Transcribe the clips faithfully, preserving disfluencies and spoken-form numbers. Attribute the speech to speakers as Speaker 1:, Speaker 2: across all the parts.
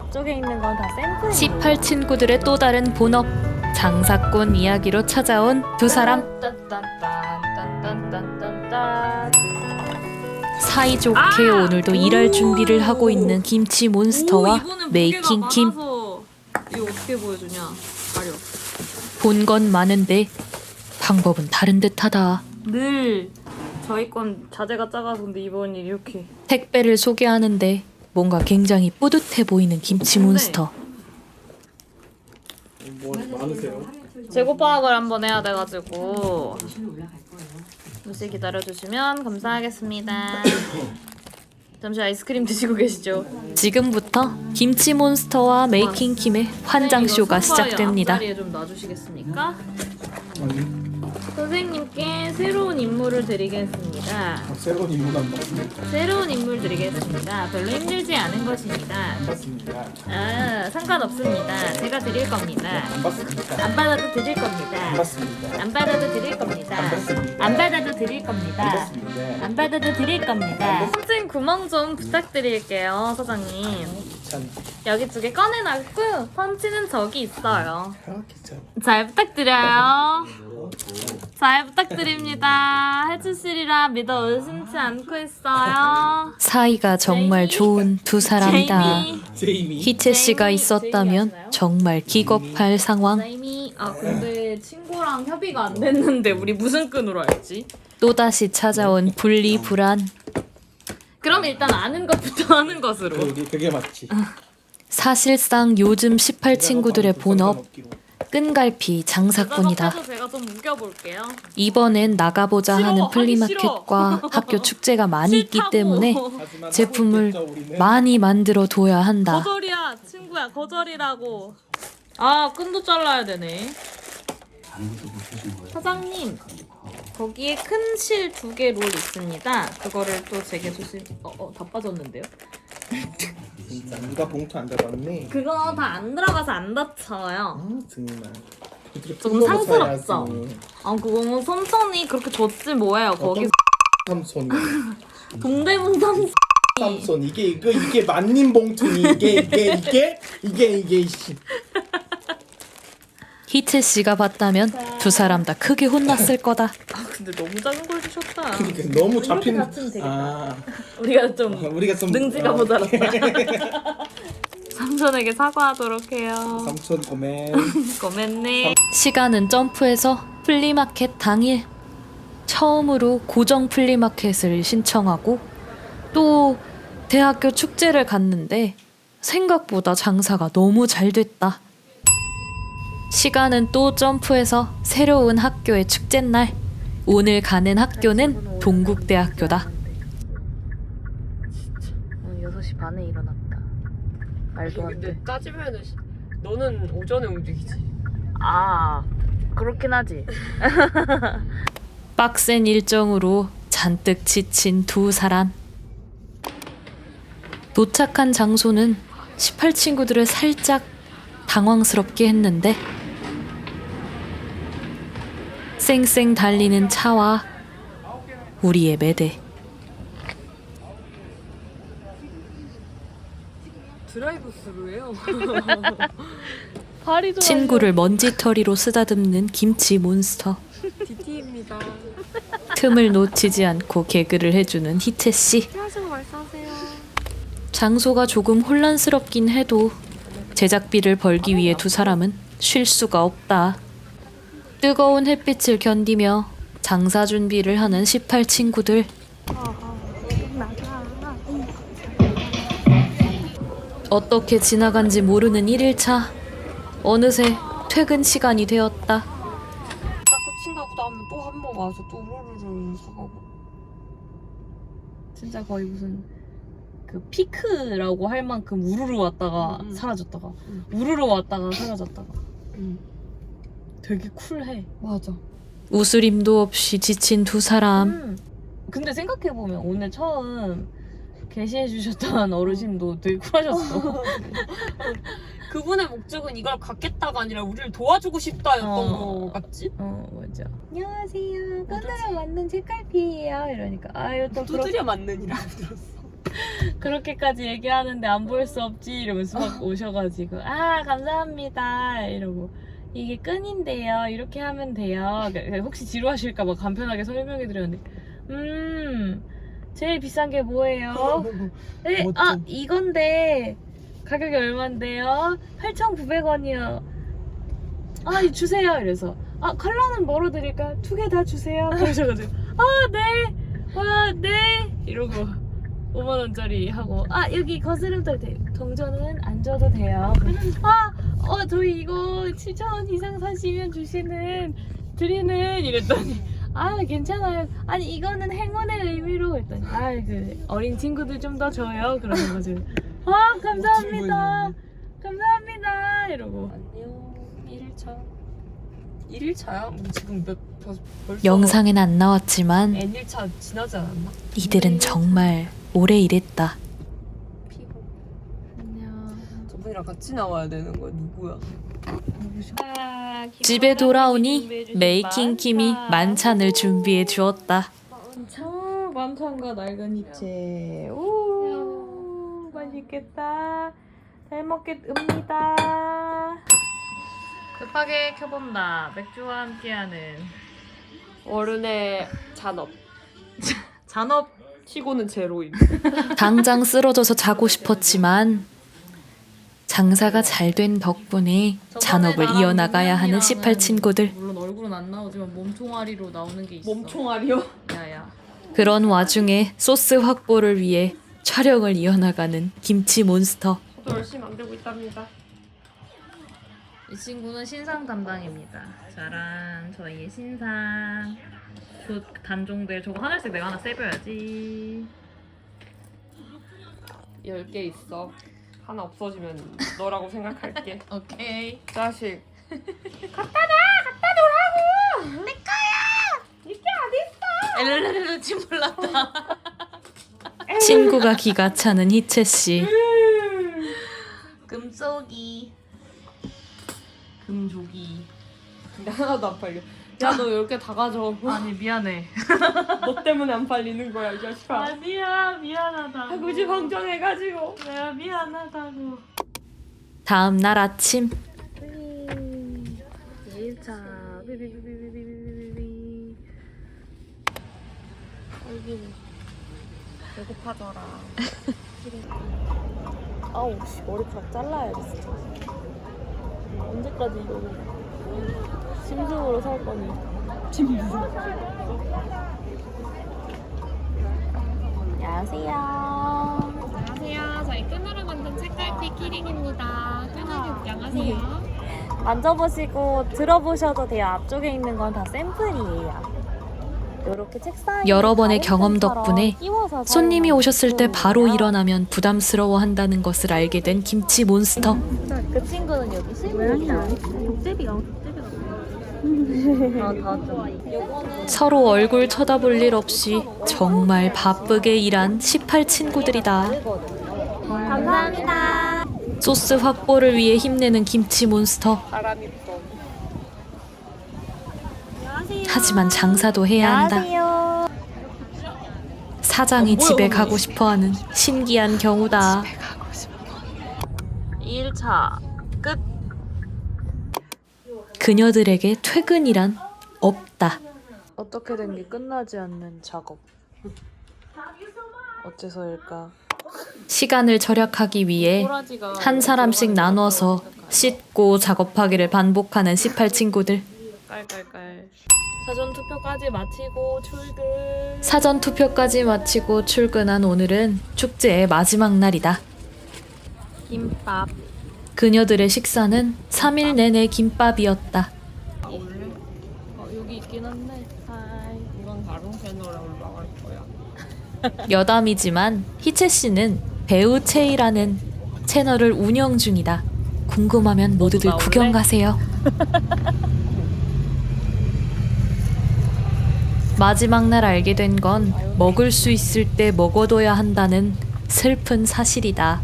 Speaker 1: 앞쪽에 있는 건 다 샘플이에요.
Speaker 2: 십팔 친구들의 또 다른 본업 장사꾼 이야기로 찾아온 두 사람. 사이좋게
Speaker 1: 아!
Speaker 2: 오늘도 일할 준비를 하고 있는 김치 몬스터와 메이킹 김.
Speaker 1: 이거 어떻게 보여주냐? 가려.
Speaker 2: 본 건 많은데 방법은 다른 듯하다.
Speaker 1: 늘 저희 건 자재가 작아서 근데 이번 일 이렇게.
Speaker 2: 택배를 소개하는데 뭔가 굉장히 뿌듯해 보이는 김치 몬스터.
Speaker 3: 뭐 많으세요?
Speaker 1: 재고 파악을 한번 해야 돼가지고 잠시 기다려주시면 감사하겠습니다. 잠시 아이스크림 드시고 계시죠?
Speaker 2: 지금부터 김치 몬스터와 메이킹 김의 환장쇼가 시작됩니다.
Speaker 1: 앞자리에 좀 놔주시겠습니까?
Speaker 3: 아니,
Speaker 1: 선생님께 새로운 임무를 드리겠습니다.
Speaker 3: 아, 새로운 인물 안 봤습니다.
Speaker 1: 새로운 임무를 드리겠습니다. 별로 힘들지 않은 것입니다.
Speaker 3: 봤습니다.
Speaker 1: 아, 상관없습니다. 제가 드릴 겁니다.
Speaker 3: 안 봤습니다.
Speaker 1: 안 받아도 드릴 겁니다.
Speaker 3: 안 봤습니다.
Speaker 1: 안 받아도 드릴 겁니다.
Speaker 3: 안 받습니다.
Speaker 1: 안 받아도 드릴
Speaker 3: 안
Speaker 1: 겁니다.
Speaker 3: 봤습니다.
Speaker 1: 안 받아도 드릴 겁니다. 선생 구멍 좀 부탁드릴게요, 사장님.
Speaker 3: 귀찮.
Speaker 1: 여기 두 개 꺼내놨고 펀치는 저기 있어요.
Speaker 3: 아 귀찮.
Speaker 1: 잘 부탁드려요. 잘 부탁드립니다. 해주시리라 믿어 의심치 않고 있어요.
Speaker 2: 사이가 정말 좋은 두 사람이다.
Speaker 1: 제이미.
Speaker 3: 제이미.
Speaker 2: 희채 씨가
Speaker 1: 제이미,
Speaker 2: 있었다면
Speaker 1: 제이미
Speaker 2: 정말 기겁할 상황.
Speaker 1: 제이미. 아 근데 친구랑 협의가 안 됐는데 우리 무슨 끈으로 알지?
Speaker 2: 또다시 찾아온 분리불안.
Speaker 1: 그럼 일단 아는 것부터 하는 것으로.
Speaker 3: 그게 그게 맞지.
Speaker 2: 사실상 요즘 십팔 친구들의 본업 끈갈피 장사꾼이다.
Speaker 1: 그래서 제가 좀 우겨볼게요.
Speaker 2: 이번엔 나가보자
Speaker 1: 싫어,
Speaker 2: 하는
Speaker 1: 하기
Speaker 2: 플리마켓과 학교 축제가 많이 있기
Speaker 1: 싫다고.
Speaker 2: 때문에
Speaker 3: 하지만
Speaker 2: 제품을
Speaker 3: 하고 있겠죠, 우리는.
Speaker 2: 많이 만들어 둬야 한다.
Speaker 1: 거절이야 친구야 거절이라고. 아 끈도 잘라야 되네. 사장님 거기에 큰 실 두 개 롤 있습니다. 그거를 또 제게 조심. 어어 다 빠졌는데요?
Speaker 3: 진짜 누가 봉투 안 잡았네.
Speaker 1: 그거 다 안 들어가서 안 다쳐요.
Speaker 3: 아 정말.
Speaker 1: 좀 상스럽죠? 아 그거는 삼촌이 그렇게 줬지 뭐예요. 거기
Speaker 3: 삼손.
Speaker 1: 동대문 삼촌.
Speaker 3: 삼손 이게 이거 이게 만님 봉투니 이게 이게 이게 이게 이게 이씨.
Speaker 2: 희채 씨가 봤다면 두 사람 다 크게 혼났을 거다.
Speaker 1: 아 근데 너무 작은 걸 주셨다.
Speaker 3: 그러니까 너무 잡힌.
Speaker 1: 이렇게 다치면 되겠다.
Speaker 3: 아
Speaker 1: 우리가 좀
Speaker 3: 우리가 좀
Speaker 1: 능지가
Speaker 3: 어,
Speaker 1: 모자랐다. 삼촌에게 사과하도록 해요.
Speaker 3: 삼촌 고멘.
Speaker 1: 고맙네.
Speaker 2: 시간은 점프해서 플리마켓 당일 처음으로 고정 플리마켓을 신청하고 또 대학교 축제를 갔는데 생각보다 장사가 너무 잘 됐다. 시간은 또 점프해서 새로운 학교의 축제날. 오늘 가는 학교는 동국대학교다.
Speaker 1: 오늘 여섯 시 반에 일어났다. 말도 안 돼.
Speaker 4: 근데 따지면은 시- 너는 오전에 움직이지.
Speaker 1: 아 그렇긴 하지.
Speaker 2: 빡센 일정으로 잔뜩 지친 두 사람. 도착한 장소는 십팔 친구들을 살짝 당황스럽게 했는데 쌩쌩 달리는 차와 우리의 매대.
Speaker 4: 드라이브 스루예요.
Speaker 1: 발이 좋아.
Speaker 2: 친구를 먼지털이로 쓰다듬는 김치 몬스터.
Speaker 4: 디티입니다.
Speaker 2: 틈을 놓치지 않고 개그를 해주는 희채 씨.
Speaker 4: 하시고 말씀하세요.
Speaker 2: 장소가 조금 혼란스럽긴 해도 제작비를 벌기 위해 두 사람은 쉴 수가 없다. 뜨거운 햇빛을 견디며 장사 준비를 하는 십팔 친구들. 어떻게 지나간지 모르는 일 일차. 어느새 퇴근 시간이 되었다.
Speaker 4: 자꾸 친다고 나면 또 한 번 와서 또 루루루 사가고.
Speaker 1: 진짜 거의 무슨 그 피크라고 할 만큼 우르르 왔다가
Speaker 4: 음, 음.
Speaker 1: 사라졌다가
Speaker 4: 음.
Speaker 1: 우르르 왔다가 사라졌다가.
Speaker 4: 응.
Speaker 1: 되게 쿨해.
Speaker 4: 맞아.
Speaker 2: 웃으림도 없이 지친 두 사람.
Speaker 1: 음. 근데 생각해 보면 오늘 처음 게시해 주셨던 어르신도 되게 쿨하셨어.
Speaker 4: 그분의 목적은 이걸 갖겠다가 아니라 우리를 도와주고 싶다였던
Speaker 1: 어.
Speaker 4: 거 같지?
Speaker 1: 어 맞아. 안녕하세요. 끈으로 만든 책갈피예요. 이러니까 아유 또 그렇.
Speaker 4: 두드려 맞는이라고 들었어. 그렇게까지 얘기하는데 안 볼 수 없지 이러면서 막 오셔가지고 아 감사합니다 이러고 이게 끈인데요 이렇게 하면 돼요. 그러니까 혹시 지루하실까봐 간편하게 설명해드렸는데 음 제일 비싼 게 뭐예요? 네,
Speaker 3: 멋져.
Speaker 4: 아 이건데 가격이 얼만데요? 팔천구백 원이요. 아 이 주세요 이래서 아 컬러는 뭐로 드릴까요? 두 개 다 주세요 그러셔가지고 아네와네 이러고 오만 원짜리 하고 아 여기 거스름돌 돼 동전은 안 줘도 돼요. 아 어 저희 이거 칠천 원 이상 사시면 주시는 드리는 이랬더니 아 괜찮아요. 아니 이거는 행운의 의미로 했더니 아 그 어린 친구들 좀 더 줘요 그러는 거죠. 아 감사합니다. 감사합니다 이러고 안녕 일 차 일 일차야? 뭐 지금 몇 벌써
Speaker 2: 영상엔 안 나왔지만
Speaker 4: N 일 차 지나지 않았나?
Speaker 2: 이들은 정말 오래 일했다.
Speaker 4: 피고 안녕 저분이랑 같이 나와야 되는 거야 누구야? 누구셔? 아,
Speaker 2: 집에 돌아오니 메이킹 킴이 만찬을 준비해 주었다.
Speaker 1: 아, 만찬과 낡은 이체. 오, 맛있겠다. 잘 먹겠습니다. 급하게 켜본다. 맥주와 함께하는
Speaker 4: 어른의 잔업
Speaker 1: 잔업.
Speaker 4: 치고는 제로임.
Speaker 2: 당장 쓰러져서 자고 싶었지만 장사가 잘 된 덕분에 잔업을 이어나가야 하는 십팔 친구들.
Speaker 1: 물론 얼굴은 안 나오지만 몸총알이로 나오는 게 있어.
Speaker 4: 몸총알이요?
Speaker 1: 야야.
Speaker 2: 그런 와중에 소스 확보를 위해 촬영을 이어나가는 김치 몬스터.
Speaker 4: 저도 열심히 만들고 있답니다.
Speaker 1: 이 친구는 신상 담당입니다. 짜란, 저희의 신상. 그 단종들 저거 하나씩 내가 하나 세벼야지.
Speaker 4: 열 개 있어. 하나 없어지면 너라고 생각할게.
Speaker 1: 오케이.
Speaker 4: 자식.
Speaker 1: 엘렐렐렐 침몰랐다.
Speaker 2: 친구가 기가 차는 희채 씨.
Speaker 1: 금속이. 금조기.
Speaker 4: 근데 하나도 안 팔려. 야 너 열 개 다 가져.
Speaker 1: 아니 미안해.
Speaker 4: 너 때문에 안 팔리는 거야 이 자식아.
Speaker 1: 아니야 미안하다.
Speaker 4: 굳이 방정해가지고.
Speaker 1: 내가 미안하다고.
Speaker 2: 다음 날 아침
Speaker 1: 일 차 비비비비비비비비.
Speaker 4: 여기 배고파져라. 아우 씨 머리카락 잘라야지 진짜. 언제까지 이러고 심승으로 살 거니? 심승.
Speaker 1: 안녕하세요.
Speaker 5: 안녕하세요. 저희 끈으로 만든 책갈피 키링입니다. 끈을 입장하세요.
Speaker 1: 만져보시고 들어보셔도 돼요. 앞쪽에 있는 건 다 샘플이에요. 이렇게 책상에
Speaker 2: 여러 번의 경험
Speaker 1: 가랜펜처럼
Speaker 2: 덕분에
Speaker 1: 끼워서
Speaker 2: 손님이 오셨을 때 바로
Speaker 1: 사용하고요.
Speaker 2: 일어나면 부담스러워한다는 것을 알게 된 김치 몬스터.
Speaker 1: 그 친구는 여기 실물이다. 독제비가 독제비가. 아다 왔죠.
Speaker 2: 서로 얼굴 쳐다볼 일 없이 정말 바쁘게 일한 십팔 친구들이다.
Speaker 1: 감사합니다.
Speaker 2: 소스 확보를 위해 힘내는 김치 몬스터.
Speaker 4: 바람이 불어.
Speaker 2: 하지만 장사도 해야 한다.
Speaker 1: 안녕하세요.
Speaker 2: 사장이 집에 가고 싶어하는 신기한 경우다.
Speaker 1: 일 차 끝.
Speaker 2: 그녀들에게 퇴근이란 없다.
Speaker 1: 어떻게 된 게 끝나지 않는 작업. 어째서일까?
Speaker 2: 시간을 절약하기 위해 한 사람씩 나눠서 씻고 작업하기를 반복하는 십팔 친구들.
Speaker 1: 깔깔깔. 사전 투표까지 마치고 출근.
Speaker 2: 사전 투표까지 마치고 출근한 오늘은 축제의 마지막 날이다.
Speaker 1: 김밥.
Speaker 2: 그녀들의 식사는 삼 일 내내 김밥이었다.
Speaker 1: 어, 여기 있긴 한데. 하이.
Speaker 4: 이건 다른 채널에 올라갈 거야.
Speaker 2: 여담이지만 희채 씨는 배우 채이라는 채널을 운영 중이다. 궁금하면 모두들
Speaker 1: 나올래?
Speaker 2: 구경 가세요. 마지막 날 알게 된 건 먹을 수 있을 때 먹어둬야 한다는 슬픈 사실이다.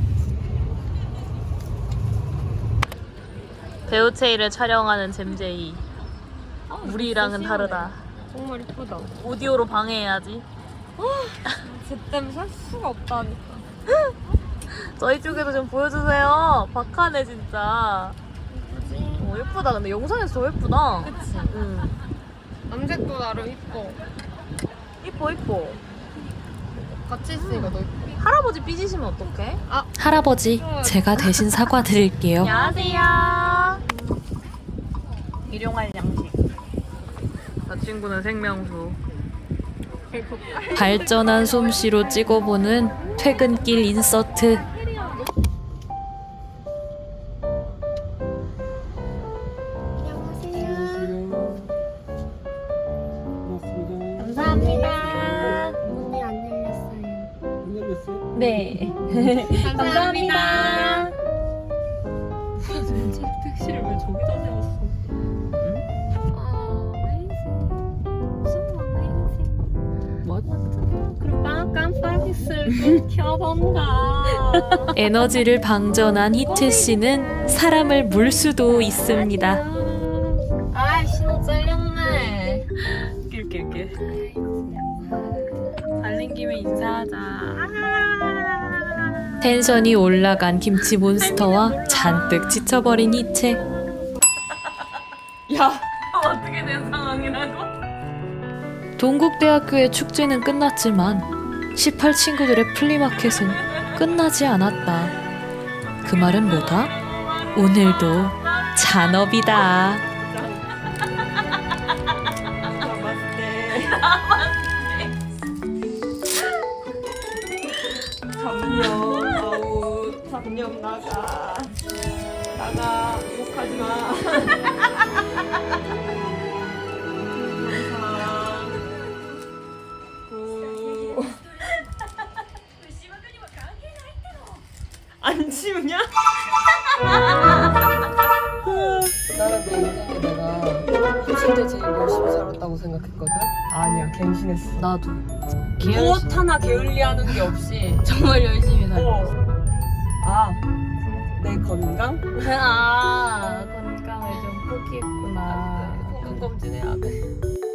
Speaker 1: 배우체이를 촬영하는 잼제이. 우리랑은 다르다.
Speaker 4: 정말 이쁘다.
Speaker 1: 오디오로 방해해야지.
Speaker 4: 쟤 때문에 살 수가 없다니까. 저희 쪽에도 좀 보여주세요. 박하네 진짜. 어, 예쁘다. 근데 영상에서 더 예쁘다. 그치? 응.
Speaker 5: 남색도 나름 이뻐.
Speaker 4: 이뻐 이뻐.
Speaker 5: 같이 있으니까 더 이뻐.
Speaker 4: 할아버지 삐지시면 어떡해?
Speaker 2: 할아버지, 제가 대신 사과드릴게요.
Speaker 4: 안녕하세요. 일용할 양식. 저 친구는 생명수.
Speaker 2: 발전한 솜씨로 찍어보는 퇴근길 인서트.
Speaker 3: 고맙습니다.
Speaker 4: 감사합니다.
Speaker 5: 문이 안 열렸어요.
Speaker 3: 안 열렸어요?
Speaker 4: 네.
Speaker 5: 감사합니다.
Speaker 4: 택시를 왜 저기다 세웠어? 그럼 깜- 깜빡이를 좀 켜본가.
Speaker 2: 에너지를 방전한 희채 씨는 사람을 물 수도 있습니다.
Speaker 4: 아, 신호 잘렸네. 낄낄낄. 달린 김에 인사하자.
Speaker 2: 텐션이 올라간 김치 몬스터와 잔뜩 지쳐버린 희채.
Speaker 4: 야, 어떻게 된 상황이라고?
Speaker 2: 동국대학교의 축제는 끝났지만 십팔 친구들의 플리마켓은 끝나지 않았다. 그 말은 뭐다? 오늘도 잔업이다.
Speaker 4: 잠룡 아웃. 잠룡 나가. 나가. 욕하지 마. 안 치우냐?
Speaker 6: 나는 내 인생에 내가 이십 대 제일 열심히 살았다고 생각했거든? 아니야, 갱신했어.
Speaker 2: 나도.
Speaker 6: 무엇 하나 게을리하는 게 없이
Speaker 2: 정말 열심히 살았어.
Speaker 6: 아, 내 건강?
Speaker 4: 아, 건강을 좀 포기했구나.
Speaker 6: 건강검진해야 돼.